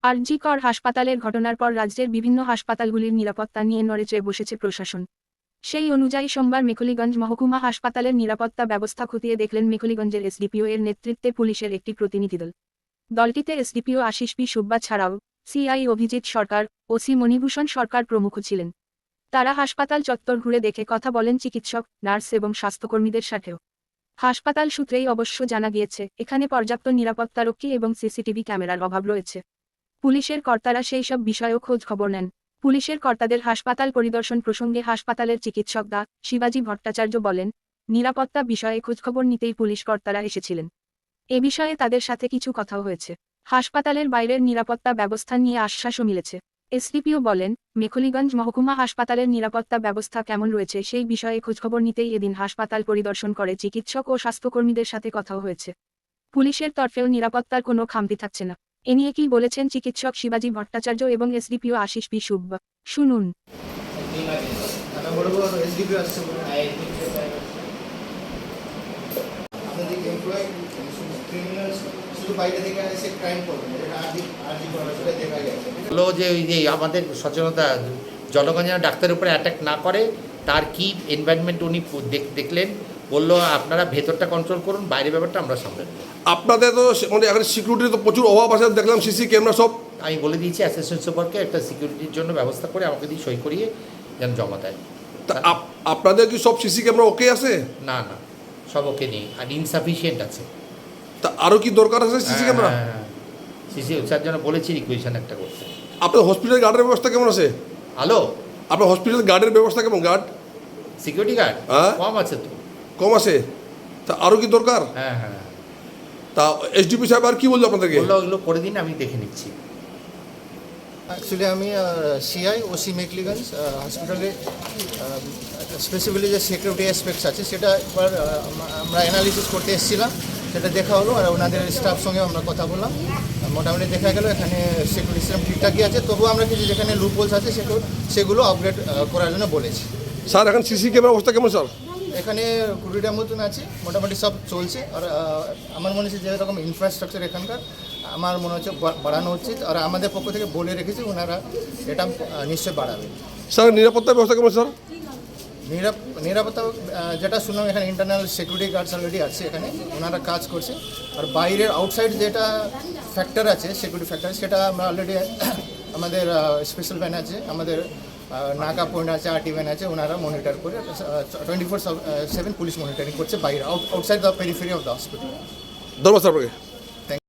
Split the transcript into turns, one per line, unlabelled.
আর.জি. কর হাসপাতালের ঘটনার পর রাজ্যের বিভিন্ন হাসপাতালগুলির নিরাপত্তা নিয়ে নড়েচড়ে বসেছে প্রশাসন। সেই অনুযায়ী সোমবার মেখলিগঞ্জ মহকুমা হাসপাতালের নিরাপত্তা ব্যবস্থা খতিয়ে দেখলেন মেখলিগঞ্জের এসডিপিও এর নেতৃত্বে পুলিশের একটি প্রতিনিধি দল। দলটিতে এসডিপিও আশিস পি সুব্বা ছাড়াও সিআই অভিজিৎ সরকার, ওসি মণিভূষণ সরকার প্রমুখ ছিলেন। তারা হাসপাতাল চত্বর ঘুরে দেখে কথা বলেন চিকিৎসক, নার্স এবং স্বাস্থ্যকর্মীদের সাথেও। হাসপাতাল সূত্রেই অবশ্য জানা গিয়েছে, এখানে পর্যাপ্ত নিরাপত্তারক্ষী এবং সিসিটিভি ক্যামেরার অভাব রয়েছে। পুলিশের কর্তারা সেই সব বিষয়েও খোঁজ খবর নেন। পুলিশের কর্তাদের হাসপাতাল পরিদর্শন প্রসঙ্গে হাসপাতালের চিকিৎসক ডা. শিবাজি ভট্টাচার্য বলেন, নিরাপত্তা বিষয়ে খোঁজখবর নিতেই পুলিশ কর্তারা এসেছিলেন। এ বিষয়ে তাদের সাথে কিছু কথাও হয়েছে। হাসপাতালের বাইরের নিরাপত্তা ব্যবস্থা নিয়ে আশ্বাসও মিলেছে। এসডিপিও বলেন, মেখলিগঞ্জ মহকুমা হাসপাতালের নিরাপত্তা ব্যবস্থা কেমন রয়েছে সেই বিষয়ে খোঁজখবর নিতেই এদিন হাসপাতাল পরিদর্শন করে চিকিৎসক ও স্বাস্থ্যকর্মীদের সাথে কথাও হয়েছে। পুলিশের তরফেও নিরাপত্তার কোনো খামতি থাকছে না। এ নিয়ে কি বলেছেন চিকিৎসক শিবাজি ভট্টাচার্য এবং এসডিপিও আশিস পি সুব্বা, শুনুন।
হলো যে ওই যে আমাদের সচেতনতা জনগণ যেন ডাক্তারের উপরে অ্যাটাক না করে, তার কি এনভায়রনমেন্ট উনি দেখলেন, বললো আপনারা ভেতরটা কন্ট্রোল করুন, বাইরের ব্যাপারটা আমরা সামলে নেব।
আপনাদের তো মানে এখন সিকিউরিটির তো প্রচুর অভাব আছে, দেখলাম সিসি ক্যামেরা সব।
আমি বলে দিয়েছি অ্যাসিস্ট্যান্ট সুপারকে একটা সিকিউরিটির জন্য ব্যবস্থা করে আমাকে দিয়ে সই করিয়ে যেন জমা দেয়।
তা আপনাদের কি সব সিসি ক্যামেরা ওকে আছে?
না না, সব ওকে নেই, আর ইনসাফিসিয়েন্ট আছে।
তা আরও কি দরকার আছে সিসি ক্যামেরা?
সিসি তার জন্য বলেছি রিকুয়েশন একটা করতে।
আপনার হসপিটাল গার্ডের ব্যবস্থা কেমন আছে?
হ্যালো,
আপনার হসপিটাল গার্ডের ব্যবস্থা কেমন? গার্ড
সিকিউরিটি গার্ড
হ্যাঁ
কম আছে তো।
কম আছে? তা আরও কি দরকার?
হ্যাঁ হ্যাঁ।
তা এসডিপি সাহেব আর কি বললো আপনাদেরকে?
বললো ওগুলো করে দিন, আমি দেখে নিচ্ছি।
অ্যাকচুয়ালি আমি সিআই ওসি মেখলিগঞ্জ হসপিটালে স্পেসিফিক্যালি যে সিকিউরিটি অ্যাসপেক্টস আছে সেটা একবার আমরা অ্যানালিসিস করতে এসেছিলাম, সেটা দেখা হলো আর ওনাদের স্টাফ সঙ্গে আমরা কথা বললাম। মোটামুটি দেখা গেল এখানে সিকিউরিটি সিস্টেম ঠিকঠাকই আছে, তবুও আমরা কিছু যেখানে লুপহোলস আছে সেগুলো আপগ্রেড করার জন্য বলেছি।
স্যার এখন সিসি ক্যামেরা অবস্থা কেমন স্যার?
এখানে 20টার মতন আছে, মোটামুটি সব চলছে। আর আমার মনে হচ্ছে যেরকম ইনফ্রাস্ট্রাকচার এখানকার আমার মনে হচ্ছে বাড়ানো উচিত, আর আমাদের পক্ষ থেকে বলে রেখেছি ওনারা এটা নিশ্চয়ই বাড়াবে।
স্যার নিরাপত্তা ব্যবস্থা কেমন স্যার?
নিরাপত্তা যেটা শুনলাম এখানে ইন্টারনাল সিকিউরিটি গার্ডস অলরেডি আছে, এখানে ওনারা কাজ করছে। আর বাইরের আউটসাইড যেটা ফ্যাক্টর আছে সিকিউরিটি ফ্যাক্টর, সেটা আমরা অলরেডি আমাদের স্পেশাল ভ্যান আছে, আমাদের নাকা পয়েন্ট আছে, আরটি ভ্যান আছে, ওনারা মনিটর করে 24/7 পুলিশ মনিটরিং করছে বাইরে, outside the periphery of the hospital.
ধন্যবাদ স্যার আপনাকে।